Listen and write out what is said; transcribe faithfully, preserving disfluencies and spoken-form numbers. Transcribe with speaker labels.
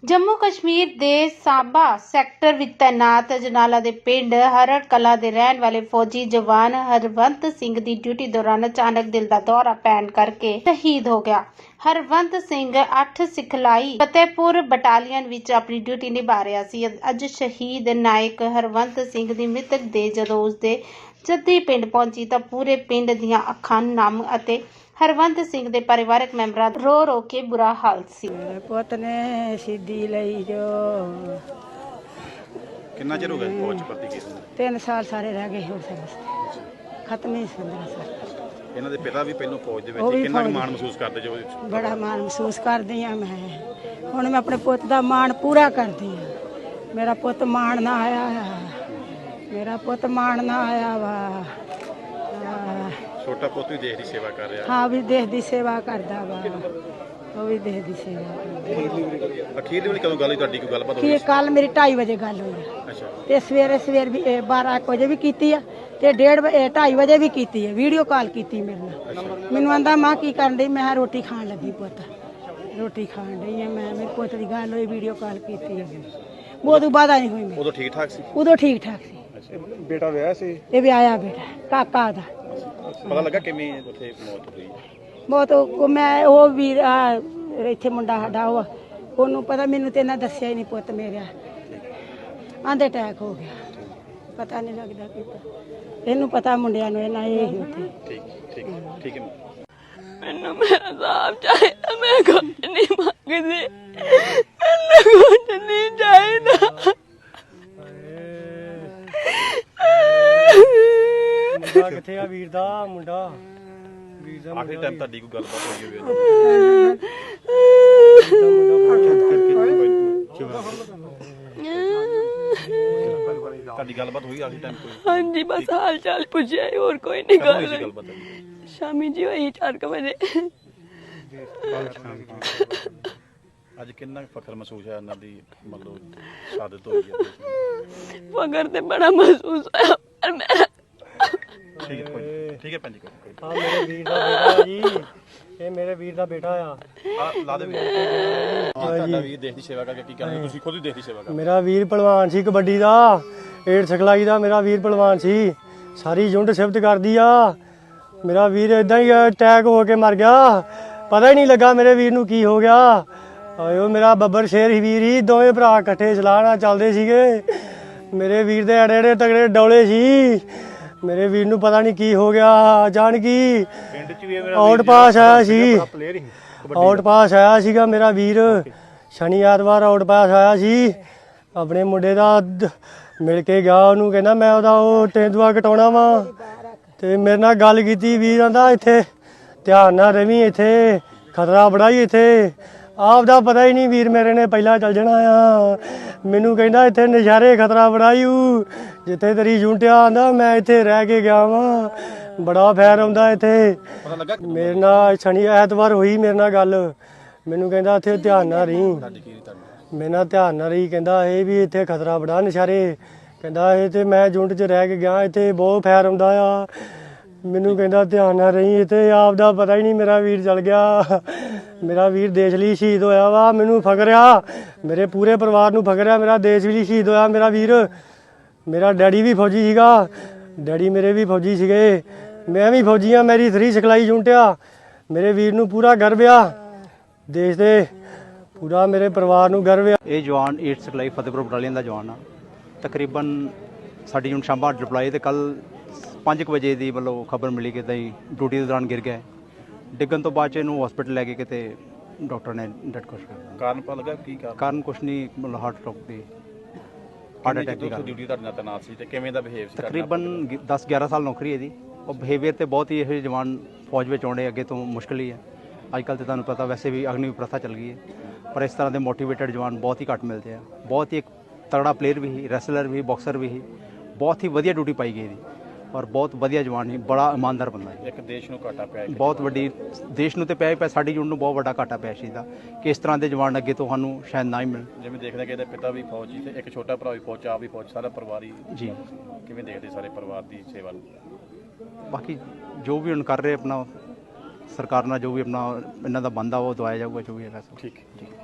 Speaker 1: जम्मू कश्मीर दे साबा सैक्टर विच तैनात अजनाला दे पिंड हरड़ कला दे रहन वाले फौजी जवान हरवंत सिंह दी ड्यूटी दौरान अचानक दिल दा दौरा पैण करके शहीद हो गया। हरवंत सिंह अठ सिखलाई फतेहपुर बटालियन विच अपनी ड्यूटी निभा रहा सी। अज शहीद नायक हरवंत सिंह दी मृतक दे जदों उसदे जद्दी पिंड पहुंची तां पूरे पिंड दीआं अखां नम अते हरवंत सिंह दे परिवारक मैंबरां दा रो रो के बुरा हाल सी।
Speaker 2: मेरे पुत ने सिद्धि लई जो
Speaker 3: कितना चिर हो गया फौज च भर्ती कीते?
Speaker 2: तीन साल सारे रह गए हो सर्विस खत्म ही पंद्रह साल।
Speaker 3: ਇਹਨਾਂ ਦੇ ਪਿਤਾ ਵੀ ਪਹਿਲਾਂ ਫੌਜ ਦੇ
Speaker 2: ਉਹ
Speaker 3: ਵਿੱਚ
Speaker 2: ਵੀ
Speaker 3: ਕਿੰਨਾ ਕੁ
Speaker 2: ਫੌਜ
Speaker 3: ਮਾਣ ਮਹਿਸੂਸ ਕਰਦੇ ਜੋ ਉਹਦੇ ਵਿੱਚ?
Speaker 2: बड़ा मान महसूस करदी हाँ मैं। हुण मैं अपने पुत का मान पूरा करदी हाँ। मेरा पुत मान ना आया मेरा पुत मान ना आया वा।
Speaker 3: ਛੋਟਾ ਪੁੱਤ ਵੀ ਦੇਸ਼ ਦੀ ਸੇਵਾ ਕਰ ਰਿਹਾ।
Speaker 2: हाँ भी देश की सेवा करदा वा वो भी देश की सेवा करदा।
Speaker 3: ਅਖੀਰਲੀ ਵਾਲੀ ਕਦੋਂ ਗੱਲ ਹੋਈ ਤੁਹਾਡੀ? ਕੋਈ ਗੱਲਬਾਤ ਹੋਈ?
Speaker 2: कि कल मेरी ढाई बजे गल हुई
Speaker 3: ਅੱਛਾ
Speaker 2: ते सवेरे सवेर भी बारह एक बजे भी कीती है ते डेढ़ बजे ढाई बजे भी कीती है। वीडियो कॉल कीती मेरे नाल। मैनू आंदा मां की करन डई? मैं रोटी खान लगी पुत रोटी खान डई है मैं। मेरे पुत की गल हुई वीडियो कॉल कीती है वो तो बाद नहीं हुई।
Speaker 3: ਉਦੋਂ ਠੀਕ ਠਾਕ ਸੀ?
Speaker 2: उदो ठीक ठाक सी।
Speaker 3: ਬੇਟਾ ਵਿਆਹ ਸੀ?
Speaker 2: ये भी आया बेटा काका दा
Speaker 3: ਪਤਾ ਲੱਗਾ ਕਿਵੇਂ ਉੱਥੇ ਮੌਤ ਹੋਈ?
Speaker 2: बहुत वो मैं वो वीर इत्थे मुंडा साडा ਉਹ ਉਹਨੂੰ ਪਤਾ ਮੈਨੂੰ ਤੇ ਇਹਨਾਂ ਦੱਸਿਆ ਹੀ ਨਹੀਂ ਪੁੱਤ ਮੇਰਾ ਆਂਦੇ ਅਟੈਕ ਹੋ ਗਿਆ। ਪਤਾ ਨਹੀਂ ਲੱਗਦਾ ਕਿਤਾ ਇਹਨੂੰ ਪਤਾ ਮੁੰਡਿਆਂ ਨੂੰ ਇਹਨਾਂ ਇਹ ਹੀ ਉੱਥੇ।
Speaker 3: ਠੀਕ ਠੀਕ ਠੀਕ ਹੈ।
Speaker 4: ਮੈਨੂੰ ਮੇਰਾ ਸਾਹਬ ਚਾਹੀਦਾ, ਮੈਂ ਕੁਝ ਨਹੀਂ ਮੰਗਦੀ, ਮੈਨੂੰ ਕੁਝ ਨਹੀਂ ਚਾਹੀਦਾ।
Speaker 5: ਮੁੰਡਾ ਕਿੱਥੇ ਆ? ਵੀਰ ਦਾ ਮੁੰਡਾ ਵੀਰ ਦਾ
Speaker 3: ਆਖਰੀ ਟਾਈਮ ਤੁਹਾਡੀ ਕੋਈ ਗੱਲਬਾਤ ਹੋਈ ਹੋਵੇ? ਤੁਹਾਡੀ ਗੱਲਬਾਤ ਹੋਈ ਆਖਰੀ ਟਾਈਮ ਕੋਈ?
Speaker 4: ਹਾਂਜੀ ਬਸ ਹਾਲ ਚਾਲ ਪੁੱਛਿਆ, ਹੋਰ ਕੋਈ ਨਹੀਂ
Speaker 3: ਕਦੋਂ ਹੋਈ ਸੀ
Speaker 4: ਗੱਲ।
Speaker 3: ਗੱਲਬਾਤ?
Speaker 4: ਸ਼ਾਮੀ ਜੀ ਹੋਈ ਚਾਰ ਕੁ ਵਜੇ।
Speaker 3: ਅੱਜ ਕਿੰਨਾ ਕੁ ਫਖਰ ਮਹਿਸੂਸ ਹੈ ਇਹਨਾਂ ਦੀ ਮਤਲਬ ਸ਼ਹਾਦਤ ਹੋਈ ਹੈ?
Speaker 4: ਫਖਰ ਤੇ ਬੜਾ ਮਹਿਸੂਸ ਹੋਇਆ ਪਰ ਮੈਂ
Speaker 3: ਠੀਕ ਹੈ ਕੋਈ- ਠੀਕ ਹੈ ਭੈਣ ਜੀ ਕੋਈ
Speaker 5: ਆ ਮੇਰੇ ਵੀਰ ਦਾ ਬੇਟਾ ਜੀ, ਇਹ ਮੇਰੇ ਵੀਰ ਦਾ ਬੇਟਾ ਆ।
Speaker 3: ਆ ਲਾ ਦੇ ਵੀ ਤੁਹਾਡਾ ਵੀ ਦੇਸ਼ ਦੀ ਸੇਵਾ ਕਰਕੇ ਕੀ ਕਰਨਾ? ਤੁਸੀਂ ਖੁਦ ਹੀ ਦੇਸ਼ ਦੀ ਸੇਵਾ ਕਰਦੇ।
Speaker 5: ਮੇਰਾ ਵੀਰ ਪਹਿਲਵਾਨ ਸੀ ਕਬੱਡੀ ਦਾ, ਏਡ ਸਿਖਲਾਈ ਦਾ ਮੇਰਾ ਵੀਰ ਪਹਿਲਵਾਨ ਸੀ। ਸਾਰੀ ਯੂਨਿਟ ਸਿਫਤ ਕਰਦੀ ਆ। ਮੇਰਾ ਵੀਰ ਇਦਾਂ ਹੀ ਅਟੈਕ ਹੋ ਕੇ ਮਰ ਗਿਆ, ਪਤਾ ਹੀ ਨਹੀਂ ਲੱਗਾ ਮੇਰੇ ਵੀਰ ਨੂੰ ਕੀ ਹੋ ਗਿਆ। ਆਇਓ ਮੇਰਾ ਬੱਬਰ ਸ਼ੇਰ ਹੀ ਵੀਰ ਹੀ, ਦੋਵੇਂ ਭਰਾ ਇਕੱਠੇ ਚਲਾਣਾ ਚੱਲਦੇ ਸੀਗੇ। ਮੇਰੇ ਵੀਰ ਦੇ ਅੜੇ ਅੜੇ ਤਗੜੇ ਡੌਲੇ ਸੀ। ਮੇਰੇ ਵੀਰ ਨੂੰ ਪਤਾ ਨਹੀਂ ਕੀ ਹੋ ਗਿਆ। ਜਾਣ ਕੀ
Speaker 3: ਪਿੰਡ ਚ ਵੀ
Speaker 5: ਆਊਟ ਪਾਸ ਆਇਆ ਸੀ, ਆਊਟ ਪਾਸ ਆਇਆ ਸੀਗਾ ਮੇਰਾ ਵੀਰ। ਸ਼ਨੀ ਐਤਵਾਰ ਆਊਟ ਪਾਸ ਆਇਆ ਸੀ। ਆਪਣੇ ਮੁੰਡੇ ਦਾ ਦ- ਮਿਲ ਕੇ ਗਿਆ ਉਹਨੂੰ, ਕਹਿੰਦਾ ਮੈਂ ਉਹਦਾ ਉਹ ਤੇਂਦੂਆ ਕਟਾਉਣਾ ਵਾ। ਤੇ ਮੇਰੇ ਨਾਲ ਗੱਲ ਕੀਤੀ। ਵੀਰ ਆਂਦਾ ਇੱਥੇ ਧਿਆਨ ਨਾਲ ਰਵੀਂ, ਇੱਥੇ ਖਤਰਾ ਬੜਾ ਹੀ, ਇੱਥੇ ਆਪ ਦਾ ਪਤਾ ਹੀ ਨਹੀਂ। ਵੀਰ ਮੇਰੇ ਨੇ ਪਹਿਲਾਂ ਚੱਲ ਜਾਣਾ ਆ। ਮੈਨੂੰ ਕਹਿੰਦਾ ਇੱਥੇ ਨਜ਼ਾਰੇ ਖਤਰਾ ਬੜਾ ਹੀ ਊ, ਜਿੱਥੇ ਤੇਰੀ ਯੂਨਿਟ ਆਂਦਾ ਮੈਂ ਇੱਥੇ ਰਹਿ ਕੇ ਗਿਆ ਵਾਂ, ਬੜਾ ਫੈਰ ਆਉਂਦਾ ਇੱਥੇ।
Speaker 3: ਪਤਾ ਲੱਗਾ
Speaker 5: ਮੇਰੇ ਨਾਲ ਸ਼ਨੀ ਐਤਵਾਰ ਹੋਈ ਮੇਰੇ ਨਾਲ ਗੱਲ। ਮੈਨੂੰ ਕਹਿੰਦਾ ਇੱਥੇ ਧਿਆਨ ਨਾਲ ਰਹੀ,
Speaker 3: ਤੁਹਾਡੀ ਕੀ ਤੁਹਾਨੂੰ?
Speaker 5: ਮੇਰੇ ਨਾਲ ਧਿਆਨ ਨਾਲ ਰਹੀ। ਕਹਿੰਦਾ ਇਹ ਵੀ ਇੱਥੇ ਖਤਰਾ ਬੜਾ ਨਜ਼ਾਰੇ। ਕਹਿੰਦਾ ਇਹ ਤੇ ਮੈਂ ਯੂਨਿਟ 'ਚ ਰਹਿ ਕੇ ਗਿਆ, ਇੱਥੇ ਬਹੁਤ ਫੈਰ ਆਉਂਦਾ ਆ। ਮੈਨੂੰ ਕਹਿੰਦਾ ਧਿਆਨ ਨਾਲ ਰਹੀ, ਇੱਥੇ ਆਪ ਦਾ ਪਤਾ ਹੀ ਨਹੀਂ ਮੇਰਾ ਵੀਰ ਚਲ ਗਿਆ। ਮੇਰਾ ਵੀਰ ਦੇਸ਼ ਲਈ ਸ਼ਹੀਦ ਹੋਇਆ ਵਾ। ਮੈਨੂੰ ਫਖਰ ਆ, ਮੇਰੇ ਪੂਰੇ ਪਰਿਵਾਰ ਨੂੰ ਫਖਰ ਆ। ਮੇਰਾ ਦੇਸ਼ ਲਈ ਸ਼ਹੀਦ ਹੋਇਆ ਮੇਰਾ ਵੀਰ। ਮੇਰਾ ਡੈਡੀ ਵੀ ਫੌਜੀ ਸੀਗਾ, ਡੈਡੀ ਮੇਰੇ ਵੀ ਫੌਜੀ ਸੀਗੇ, ਮੈਂ ਵੀ ਫੌਜੀ ਆ। ਮੇਰੀ ਥਰੀ ਸਿਖਲਾਈ ਯੂਨਿਟ ਆ। ਮੇਰੇ ਵੀਰ ਨੂੰ ਪੂਰਾ ਗਰਵ ਆ, ਦੇਸ਼ ਦੇ ਪੂਰਾ ਮੇਰੇ ਪਰਿਵਾਰ ਨੂੰ ਗਰਵ ਆ।
Speaker 6: ਇਹ ਜਵਾਨ ਏਟ ਸਿਖਲਾਈ ਫਤਿਹਪੁਰ ਬਟਾਲੀਅਨ ਦਾ ਜਵਾਨ ਆ। ਤਕਰੀਬਨ ਸਾਡੀ ਯੂਨਿਟ ਸ਼ਾਮਾ ਡਿਪਲਾਈ ਤੇ ਕੱਲ ਪੰਜ ਕੁ ਵਜੇ ਦੀ ਮਤਲਬ ਖਬਰ ਮਿਲੀ ਕਿ ਤਾਂ ਡਿਊਟੀ ਦੇ ਦੌਰਾਨ ਗਿਰ ਗਿਆ। ਡਿੱਗਣ ਤੋਂ ਬਾਅਦ 'ਚ ਇਹਨੂੰ ਹਸਪੀਟਲ ਲੈ ਕੇ ਕਿਤੇ ਡਾਕਟਰ ਨੇ ਡੈਡ ਕੋਸ਼ ਕਰ ਦਿੱਤਾ।
Speaker 3: ਕਾਰਨ ਪਤਾ ਲੱਗਾ ਕੀ ਕਾਰਨ?
Speaker 6: ਕਾਰਨ ਕੁਛ ਨਹੀਂ, ਮਤਲਬ ਹਾਰਟ ਅਟੈਕ ਦੀ ਹਾਰਟ ਅਟੈਕ ਦੀ ਕਾਰਨ।
Speaker 3: ਡਿਊਟੀ ਤੁਹਾਡੇ ਨਾਲ ਤੈਨਾਤ ਸੀ ਤੇ ਕਿਵੇਂ ਦਾ ਬਿਹੇਵ ਸੀ?
Speaker 6: ਤਕਰੀਬਨ ਦਸ ਗਿਆਰਾਂ ਸਾਲ ਨੌਕਰੀ ਇਹਦੀ। ਉਹ ਬਿਹੇਵੀਅਰ ਤੇ ਬਹੁਤ ਹੀ ਇਹ ਜਵਾਨ ਫੌਜ ਵਿੱਚ ਆਉਣੇ ਅੱਗੇ ਤੋਂ ਮੁਸ਼ਕਿਲ ਹੀ ਹੈ। ਅੱਜ ਕੱਲ੍ਹ ਤੇ ਤੁਹਾਨੂੰ ਪਤਾ ਵੈਸੇ ਵੀ ਅਗਨੀ ਪ੍ਰਥਾ ਚੱਲ ਗਈ ਹੈ, ਪਰ ਇਸ ਤਰ੍ਹਾਂ ਦੇ ਮੋਟੀਵੇਟਡ ਜਵਾਨ ਬਹੁਤ ਹੀ ਘੱਟ ਮਿਲਦੇ ਆ। ਬਹੁਤ ਹੀ ਇੱਕ ਤਗੜਾ ਪਲੇਅਰ ਵੀ ਸੀ, ਰੈਸਲਰ ਵੀ, ਬਾਕਸਰ ਵੀ ਸੀ। ਬਹੁਤ ਹੀ ਵਧੀਆ ਡਿਊਟੀ ਪਾਈ ਗਈ ਇਹਦੀ ਔਰ ਬਹੁਤ ਵਧੀਆ ਜਵਾਨ ਸੀ, ਬੜਾ ਇਮਾਨਦਾਰ ਬੰਦਾ ਹੈ।
Speaker 3: ਇੱਕ ਦੇਸ਼ ਨੂੰ ਘਾਟਾ ਪਿਆ,
Speaker 6: ਬਹੁਤ ਵੱਡੀ ਦੇਸ਼ ਨੂੰ ਤੇ ਪਿਆ ਹੀ ਪਿਆ, ਸਾਡੀ ਯੂਨਿਟ ਨੂੰ ਬਹੁਤ ਵੱਡਾ ਘਾਟਾ ਪਿਆ ਸੀ ਦਾ ਕਿ ਇਸ ਤਰ੍ਹਾਂ ਦੇ ਜਵਾਨ ਅੱਗੇ ਤੋਂ ਸਾਨੂੰ ਸ਼ਾਇਦ ਨਾ ਹੀ ਮਿਲਣ।
Speaker 3: ਜਿਵੇਂ ਦੇਖਦੇ ਕਿ ਇਹਦੇ ਪਿਤਾ ਵੀ ਫੌਜੀ ਤੇ ਇੱਕ ਛੋਟਾ ਭਰਾ ਵੀ ਫੌਜ, ਆਪ ਵੀ ਫੌਜ, ਸਾਰਾ ਪਰਿਵਾਰ ਹੀ
Speaker 6: ਜੀ।
Speaker 3: ਕਿਵੇਂ ਦੇਖਦੇ ਸਾਰੇ ਪਰਿਵਾਰ ਦੀ ਸੇਵਾ ਨੂੰ?
Speaker 6: ਬਾਕੀ ਜੋ ਵੀ ਹੁਣ ਕਰ ਰਹੇ ਆਪਣਾ ਸਰਕਾਰ ਨਾਲ ਜੋ ਵੀ ਆਪਣਾ ਇਹਨਾਂ ਦਾ ਬੰਦਾ ਉਹ ਦਵਾਇਆ ਜਾਊਗਾ ਜੋ ਵੀ ਹੈਗਾ ਸਭ।
Speaker 3: ਠੀਕ ਠੀਕ।